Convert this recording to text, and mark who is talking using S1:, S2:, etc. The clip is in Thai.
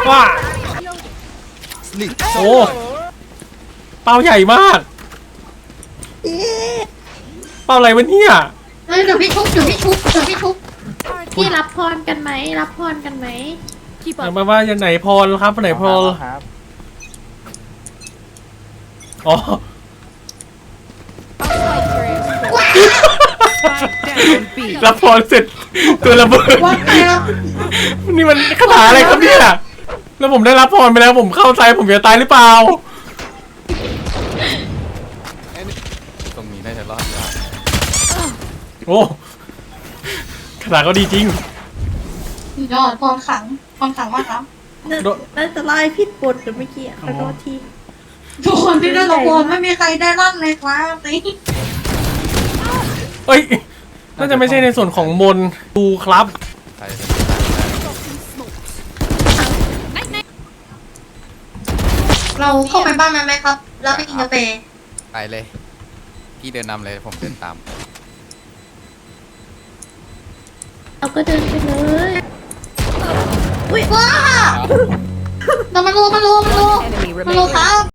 S1: ว้าโอ้เป้าใหญ่มากเป้าอะไรวะเนี่ย
S2: เดี๋ยวพี่ชุบพี่รับพรกันไหมรับพรกันไหม
S1: มาว่าอย่างไหนพรครับไหนพร
S3: ครับ
S1: อ๋อรับพรเสร็จตัวระเบิดนี่มันคาถาอะไรครับเนี่ยแล้วผมได้รับพรไปแล้วผมเข้าใจผมจะตายหรือเปล่า
S3: ตรงนี้น่าจะรอดยาก
S1: โอ้คาถาก็ดีจริง
S2: ยอดพรขังมากครับ
S4: น่าจะไล่ผิดบทหรือเมื่อกี้ขอโทษที
S2: ทุกคนที่ได้รับพรไม่มีใครได้ลั่นเลยครับสิ
S1: เอ้ยน่าจะไม่ใช่ในส่วนของมนดูครับ
S3: ใคร
S2: เราเข้าไปบ้านไหมครับแล้วไปกินกาแฟ
S3: ไปเลยพี่เดินนำเลยผมเดินตาม
S4: เราก็เดินไปเลย
S2: อุ้ยว้าเรามาโลครับ